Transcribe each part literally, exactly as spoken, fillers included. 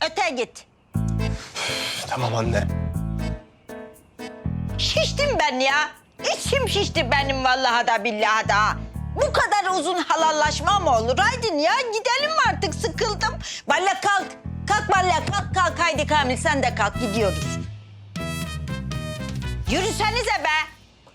Öte git. Tamam anne. Şiştim ben ya. İçim şişti benim vallahi da billahi da. Bu kadar uzun halallaşma mı olur? Haydin ya gidelim artık, sıkıldım. Balla kalk. Kalk Balla, kalk kalk. Haydi Kamil sen de kalk, gidiyoruz. Yürüsenize be.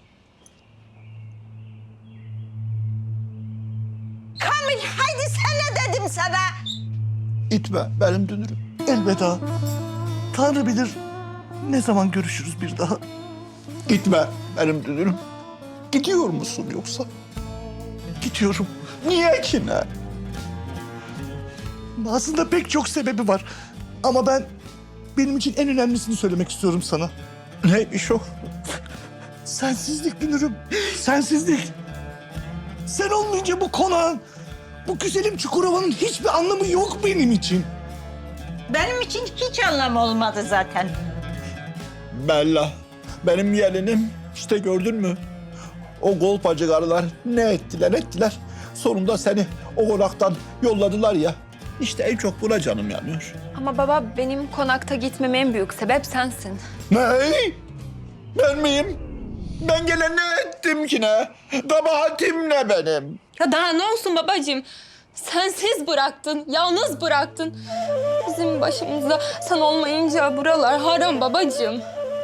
Kamil haydi sen ne dedim sana? İtme benim dünürüm. Elveda. Tanrı bilir ne zaman görüşürüz bir daha. Gitme benim dünürüm. Gidiyor musun yoksa? Gidiyorum. Niye ki ne? Aslında pek çok sebebi var. Ama ben benim için en önemlisini söylemek istiyorum sana. Neymiş o? Sensizlik dünürüm. Sensizlik. Sen olmayınca bu konağın, bu güzelim Çukurova'nın hiçbir anlamı yok benim için. Benim için hiç anlam olmadı zaten. Bella, benim gelinim. İşte gördün mü? O golpacı karılar ne ettiler ettiler. Sonunda seni o konaktan yolladılar ya. İşte en çok buna canım yanıyor. Ama baba benim konakta gitmeme en büyük sebep sensin. Ne? Ben miyim? Ben gelen ne ettim ki ne? Kabahatim ne benim? Ya daha ne olsun babacığım? Sensiz bıraktın, yalnız bıraktın. Bizim başımızda sen olmayınca buralar haram babacığım.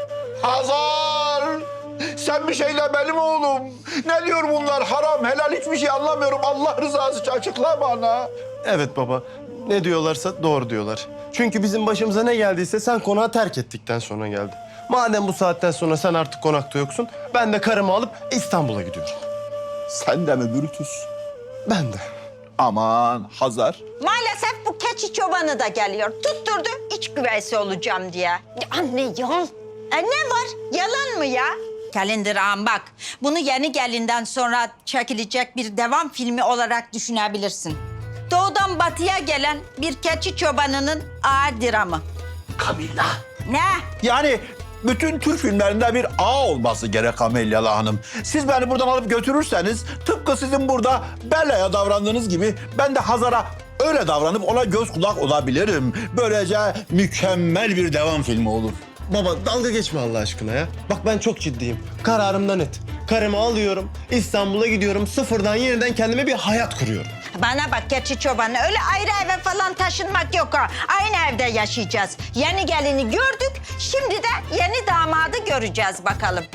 Hazar! Sen bir şeyle benim oğlum. Ne diyor bunlar? Haram, helal hiçbir şey anlamıyorum. Allah rızası için açıkla bana. Evet baba. Ne diyorlarsa doğru diyorlar. Çünkü bizim başımıza ne geldiyse sen konağı terk ettikten sonra geldi. Madem bu saatten sonra sen artık konakta yoksun, ben de karımı alıp İstanbul'a gidiyorum. Sen de mi Brutus? Ben de. Aman Hazar. Maalesef bu keçi çobanı da geliyor. Tutturdu iç güveysi olacağım diye. Ya anne ya. E ne var? Yalan mı ya? Kalender ağam bak. Bunu yeni gelinden sonra çekilecek bir devam filmi olarak düşünebilirsin. Doğudan batıya gelen bir keçi çobanının ağır dramı. Kamilla. Ne? Yani bütün Türk filmlerinde bir ağ olması gerek Amelyalı Hanım. Siz beni buradan alıp götürürseniz tıpkı sizin burada Bella'ya davrandığınız gibi ben de Hazar'a öyle davranıp ona göz kulak olabilirim. Böylece mükemmel bir devam filmi olur. Baba dalga geçme Allah aşkına ya. Bak ben çok ciddiyim. Kararımda net. Karımı alıyorum, İstanbul'a gidiyorum. Sıfırdan yeniden kendime bir hayat kuruyorum. Bana bak keçi çobanı, öyle ayrı eve falan taşınmak yok ha. Aynı evde yaşayacağız. Yeni gelini gördük, şimdi de yeni damadı göreceğiz bakalım.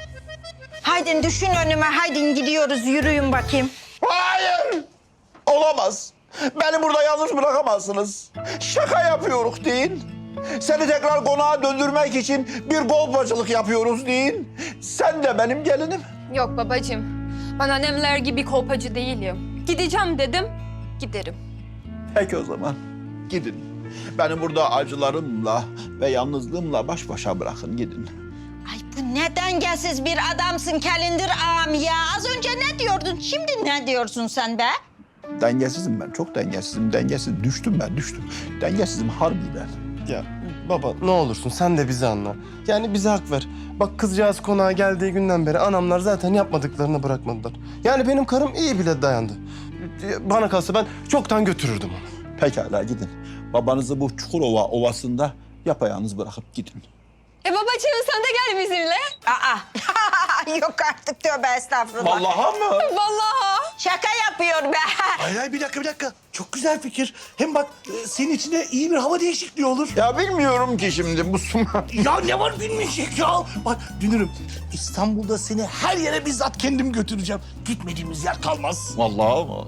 Haydin düşün önüme, haydin gidiyoruz, yürüyün bakayım. Hayır! Olamaz. Beni burada yalnız bırakamazsınız. Şaka yapıyoruz deyin. Seni tekrar konağa döndürmek için bir golpacılık yapıyoruz deyin. Sen de benim gelinim. Yok babacığım, ben annemler gibi kolpacı değilim. Gideceğim dedim, giderim. Peki o zaman gidin. Beni burada acılarımla ve yalnızlığımla baş başa bırakın gidin. Ay bu ne dengesiz bir adamsın Kalender ağam ya. Az önce ne diyordun, şimdi ne diyorsun sen be? Dengesizim ben, çok dengesizim. Dengesiz, düştüm ben, düştüm. Dengesizim harbiden. Ya baba ne olursun sen de bizi anla. Yani bize hak ver. Bak kızcağız konağa geldiği günden beri anamlar zaten yapmadıklarını bırakmadılar. Yani benim karım iyi bile dayandı. Bana kalsa ben çoktan götürürdüm onu. Pekala gidin. Babanızı bu Çukurova Ovası'nda yapayalnız bırakıp gidin. E babacığım sen de gel bizimle. Aa, yok artık tövbe estağfurullah. Vallahi mı? Vallahi. Şaka yapıyor be. Hayır hayır bir dakika bir dakika. Çok güzel fikir. Hem bak e, senin içinde iyi bir hava değişikliği olur. Ya bilmiyorum ki şimdi bu suma. Ya ne var bilmeyecek ya. Bak dünürüm İstanbul'da seni her yere bizzat kendim götüreceğim. Gitmediğimiz yer kalmaz. Vallahi mı?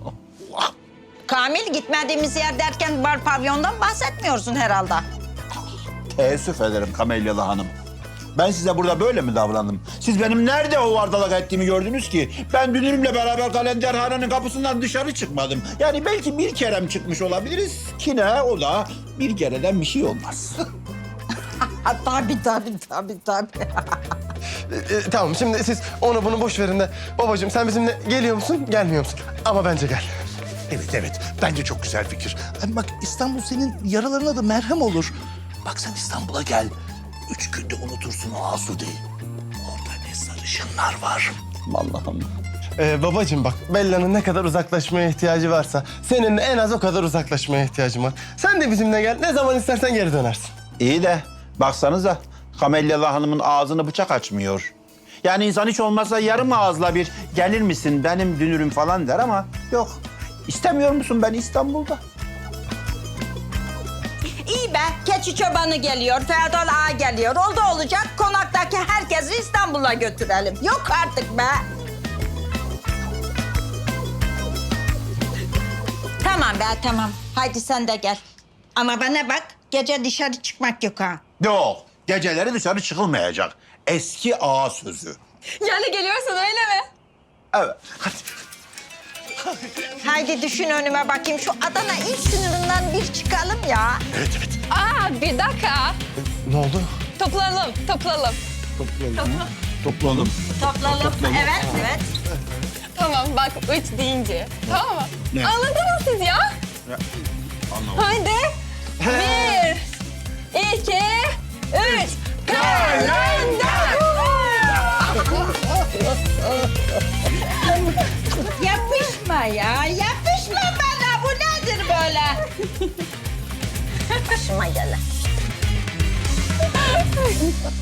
Kamil gitmediğimiz yer derken bar pavyondan bahsetmiyorsun herhalde. Teessüf ederim Kamelyalı Hanım. Ben size burada böyle mi davrandım? Siz benim nerede o vardalak ettiğimi gördünüz ki? Ben dünürümle beraber kalenderhanenin kapısından dışarı çıkmadım. Yani belki bir kerem çıkmış olabiliriz ki ne o da bir kereden bir şey olmaz. Ha, tabii tabii tabii tabii. E, e, tamam şimdi siz onu bunu boş verin de babacığım sen bizimle geliyor musun gelmiyor musun? Ama bence gel. Evet evet bence çok güzel fikir. Hem bak İstanbul senin yaralarına da merhem olur. Bak sen İstanbul'a gel. Üç günde unutursun o Asude'yi. Orada ne sarışınlar var. Allah'ım. Ee, babacığım bak, Bella'nın ne kadar uzaklaşmaya ihtiyacı varsa senin de en az o kadar uzaklaşmaya ihtiyacın var. Sen de bizimle gel, ne zaman istersen geri dönersin. İyi de baksanıza Kamelyalı Hanım'ın ağzını bıçak açmıyor. Yani insan hiç olmazsa yarım ağızla bir gelir misin benim dünürüm falan der ama yok. İstemiyor musun ben İstanbul'da? İyi be, keçi çobanı geliyor, Ferdal Ağa geliyor. Oldu olacak, konaktaki herkesi İstanbul'a götürelim. Yok artık be. Tamam be, tamam. Haydi sen de gel. Ama bana bak, gece dışarı çıkmak yok ha. Yok. Geceleri dışarı çıkılmayacak. Eski ağa sözü. Yani geliyorsun öyle mi? Evet. Hadi. Haydi düşün önüme bakayım. Şu Adana il sınırından bir çıkalım ya. Evet evet. Aa bir dakika. Ne oldu? Toplanalım, toplanalım. Toplanalım. Toplanalım. Evet, evet. Tamam bak üç deyince. Tamam mı? Ne? Anladınız siz ya? Anlamadım. Haydi. Bir, iki, üç. Kalender. Yapışma ya, yapışma bana. Bu nedir böyle? Başıma gelen.